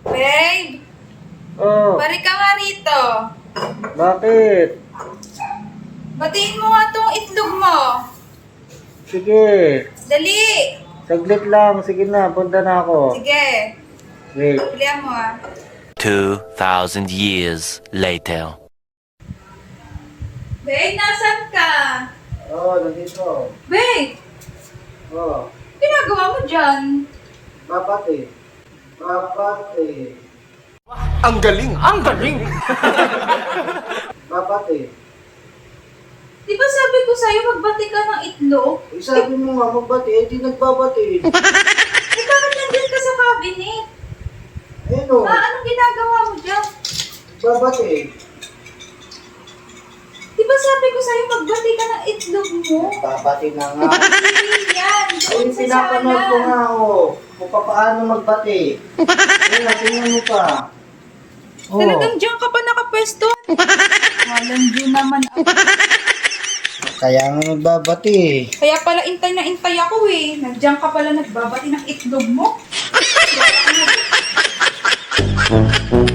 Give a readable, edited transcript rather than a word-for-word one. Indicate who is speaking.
Speaker 1: Babe,
Speaker 2: Oh,
Speaker 1: pare ka nga rito.
Speaker 2: bakit?
Speaker 1: Batiin mo nga tong itlog mo.
Speaker 2: Sige.
Speaker 1: Dali.
Speaker 2: Saglit lang. Sige na, punta na ako.
Speaker 1: Sige.
Speaker 2: Wait.
Speaker 1: Bilihan mo ah.
Speaker 3: 2,000 years later.
Speaker 1: Babe, nasan ka?
Speaker 2: Oh, nandito.
Speaker 1: Babe,
Speaker 2: Oh,
Speaker 1: ginagawa mo dyan?
Speaker 2: babati. Babati.
Speaker 4: Ang galing! Ang galing!
Speaker 2: Babati.
Speaker 1: Di ba sabi ko sa'yo magbati ka ng itlog?
Speaker 2: Eh, sabi mo nga magbati, eh di nagbabati.
Speaker 1: Eh, bakit nandyan ka sa cabinet?
Speaker 2: Ayun o,
Speaker 1: Anong ginagawa mo dyan?
Speaker 2: babati.
Speaker 1: Di ba sabi ko sa'yo magbati ka ng itlog mo?
Speaker 2: Babati na nga.
Speaker 1: Hindi yan.
Speaker 2: Ay,
Speaker 1: Doon sa
Speaker 2: pinapanood
Speaker 1: sala.
Speaker 2: ko nga kung paano magbati. Ayun, tingnan mo pa. Oh.
Speaker 1: Talagang dyan ka pa nakapwesto? Walang dyan naman ako.
Speaker 2: Kaya nga nagbabati.
Speaker 1: Kaya pala intay na intay ako eh. Nandiyan ka pala nagbabati ng itlog mo.